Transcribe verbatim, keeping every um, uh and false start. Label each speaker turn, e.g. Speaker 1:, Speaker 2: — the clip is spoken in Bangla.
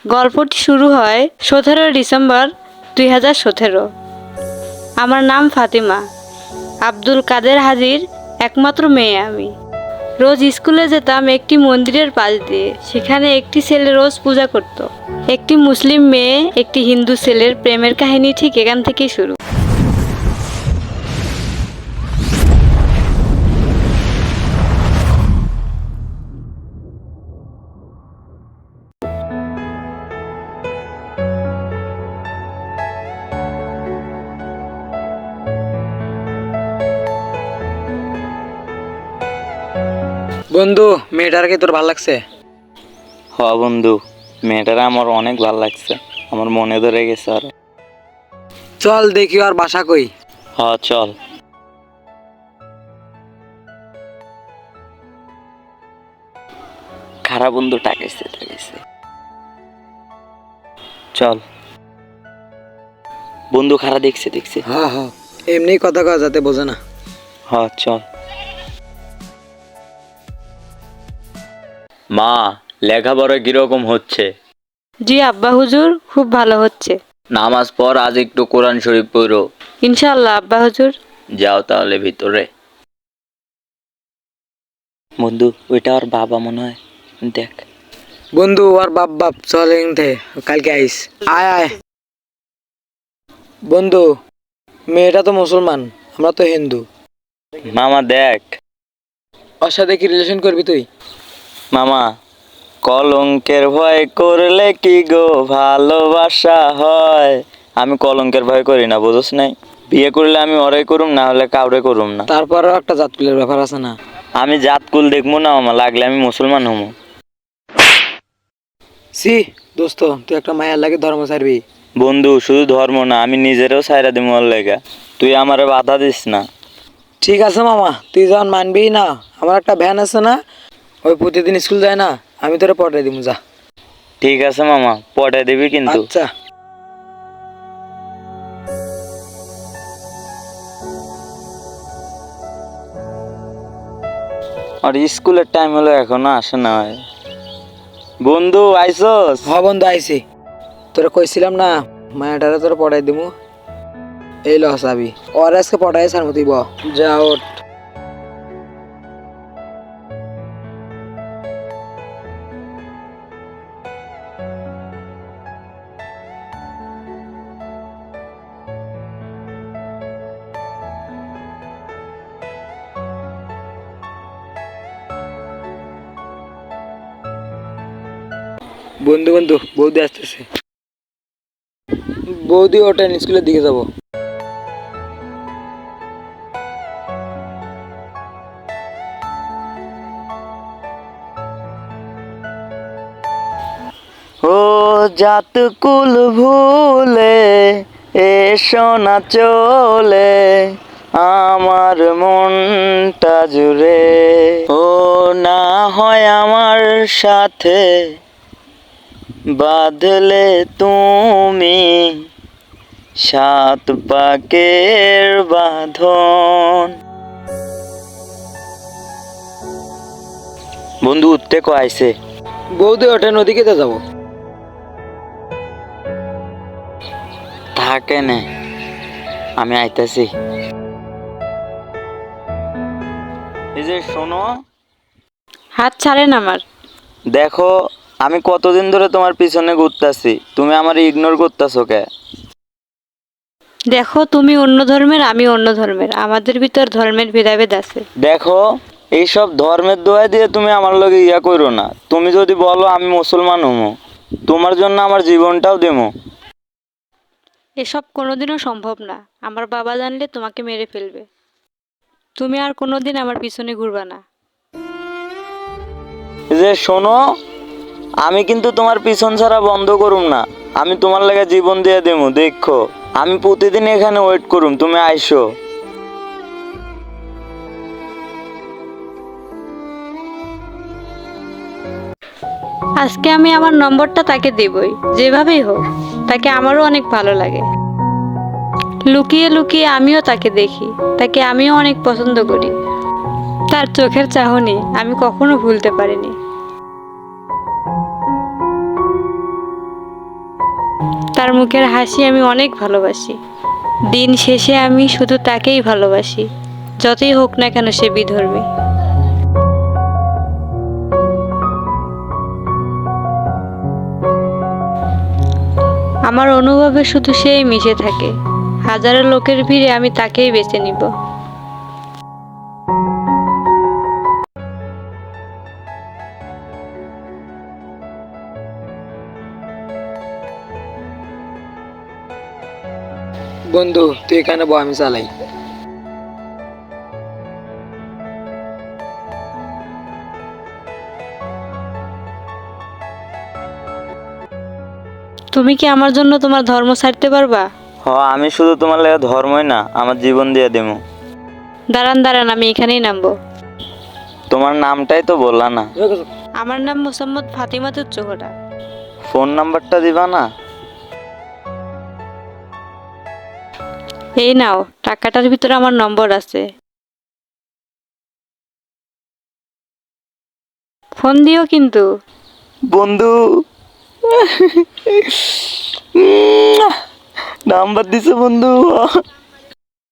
Speaker 1: গল্পটি শুরু হয় সতেরো ডিসেম্বর দুই হাজার সতেরো। আমার নাম ফাতিমা। আব্দুল কাদের হাজির একমাত্র মেয়ে আমি। রোজ স্কুলে যেতাম একটি মন্দিরের পাশ দিয়ে। সেখানে একটি ছেলে রোজ পূজা করত। একটি মুসলিম মেয়ে একটি হিন্দু ছেলের প্রেমের কাহিনী ঠিক এখান থেকেই শুরু।
Speaker 2: বন্ধু, মেয়েটাকে তোর ভাল লাগছে?
Speaker 3: হ বন্ধু, মেয়েটার আমার অনেক ভালো লাগছে, আমার মনে ধরে গেছে। আর
Speaker 2: চল দেখি আর বাসা কই।
Speaker 3: হ চল। খারাপ বন্ধু টাকাইছে টাকাইছে চল বন্ধু, খারা দেখছে দেখছে।
Speaker 2: হ্যাঁ হ্যাঁ, এমনি কথা কওয়া যাতে বোঝে না।
Speaker 3: হ চল। মা, লেখাপড়া কিরকম হচ্ছে?
Speaker 1: জি আব্বা হুজুর, খুব ভালো হচ্ছে।
Speaker 3: নামাজ পড়, আজ একটু কোরআন শরীফ পড়ো।
Speaker 1: ইনশাআল্লাহ আব্বা হুজুর।
Speaker 3: যাও তাহলে ভিতরে। বন্ধু, ওইটা ওর বাবা মনে হয়, দেখ।
Speaker 2: বন্ধু আর বাপ বাপ চল এনতে, কালকে আইস। আয় আয় বন্ধু, মেয়েটা তো মুসলমান, আমরা তো হিন্দু।
Speaker 3: মামা দেখ।
Speaker 2: ওর সাথে কি রিলেশন করবি তুই?
Speaker 3: মামা, কলঙ্কের ভয় করলে কি গো ভালোবাসা হয়? আমি কলঙ্কের ভয় করি না, বুঝছ নাই? বিয়ে করলে আমি ওরাই করুম, না হলে কাউরে করুম না।
Speaker 2: তারপরেও একটা জাতকুলের ব্যাপার আছে না?
Speaker 3: আমি জাতকুল দেখবো না মামা, লাগলে আমি মুসলমান হমু।
Speaker 2: সি দোস্ত, তুই একটা মায়ের লাগে ধর্ম ছাড়বি?
Speaker 3: বন্ধু, শুধু ধর্ম না, আমি নিজেরও ছাইরা দিমু ওর লেগা। তুই আমারে বাধা দিস না।
Speaker 2: ঠিক আছে মামা, তুই যখন মানবি না, আমার একটা ভ্যান আছে না, ওই প্রতিদিন স্কুল যায় না, আমি তোরে পটাই দিব, যা।
Speaker 3: ঠিক আছে মামা, পটাই দিবি কিন্তু।
Speaker 2: আচ্ছা।
Speaker 3: আর স্কুলের টাইম হলো, এখনো আসে না। বন্ধু আইসস?
Speaker 2: হ বন্ধু আইসি। তোরা কইছিলাম না মায়াটারে তোরা পটাই দিমু, এই ল চাবি। ওর আজকে পটাই ছাড় মতি ব, যা ওঠ। বন্ধু বন্ধু, বৌদি আসতেছে। বৌদি ওঠেন, স্কুলের দিকে যাব।
Speaker 3: ও জাতকুল ভুলে এসো না চলে আমার মনটা জুড়ে। ও না হয় আমার সাথে বাঁধলে তুমি সাত পাকের বাঁধন। বন্ধু উঠতে কো আইছে।
Speaker 2: বৌদি ওঠেন, ওদিকে তো যাবো।
Speaker 3: থাকে না, আমি আইতাছি। এই যে শোনো,
Speaker 1: হাত ছাড়েন আমার।
Speaker 3: দেখো আমি কতদিন ধরে তোমার পিছনে ঘুরতাছি, তুমি আমার ইগনোর করতেছো কে?
Speaker 1: দেখো, তুমি অন্য ধর্মের, আমি অন্য ধর্মের, আমাদের ভিতর ধর্মের ভেদাভেদ আছে।
Speaker 3: দেখো, এইসব ধর্মের দোয়া দিয়ে তুমি আমার লগে ইয়া করো না। তুমি যদি বলো আমি মুসলমান হমো, তোমার জন্য আমার জীবনটাও দেবো।
Speaker 1: এসব কোনোদিনও সম্ভব না। আমার বাবা জানলে তোমাকে মেরে ফেলবে। তুমি আর কোনোদিন আমার পিছনে ঘুরবা না।
Speaker 3: এই যে শোনো, আমি কিন্তু তোমার পিছন ছাড়া বন্ধ করুম না। আমি তোমার লাগে জীবন দিয়ে দেবো, দেখো। আমি প্রতিদিন এখানে ওয়েট করুম, তুমি আইসো।
Speaker 1: আজকে আমি আমার নম্বরটা তাকে দেবই, যেভাবেই হোক। তাকে আমারও অনেক ভালো লাগে। লুকিয়ে লুকিয়ে আমিও তাকে দেখি, তাকে আমিও অনেক পছন্দ করি। তার চোখের চাহনি আমি কখনো ভুলতে পারিনি। তার মুখের হাসি আমি অনেক ভালোবাসি। দিন শেষে আমি শুধু তাকেই ভালোবাসি, যতই হোক না কেন সে বিধর্মী। আমার অনুভবে শুধু সেই মিশে থাকে। হাজারো লোকের ভিড়ে আমি তাকেই বেছে নিব।
Speaker 2: বন্ধু তুই এখানে বল, আমি চালাই।
Speaker 1: তুমি কি আমার জন্য তোমার ধর্ম ছাড়তে পারবা?
Speaker 3: হ, আমি শুধু তোমার লাগে ধর্মই না, আমার জীবন দিয়ে দেবো।
Speaker 1: দাঁড়ান দাঁড়ান, আমি এখানেই নামবো।
Speaker 3: তোমার নামটাই তো বললা না।
Speaker 1: আমার নাম মোসাম্মদ ফাতিমা তুচ্চোহরা।
Speaker 3: ফোন নাম্বারটা দিবা না?
Speaker 1: এই নাও, টাকাটার ভিতরে আমার নম্বর আছে, ফোন দিও কিন্তু।
Speaker 3: বন্ধু, নাম্বার দিছে বন্ধু।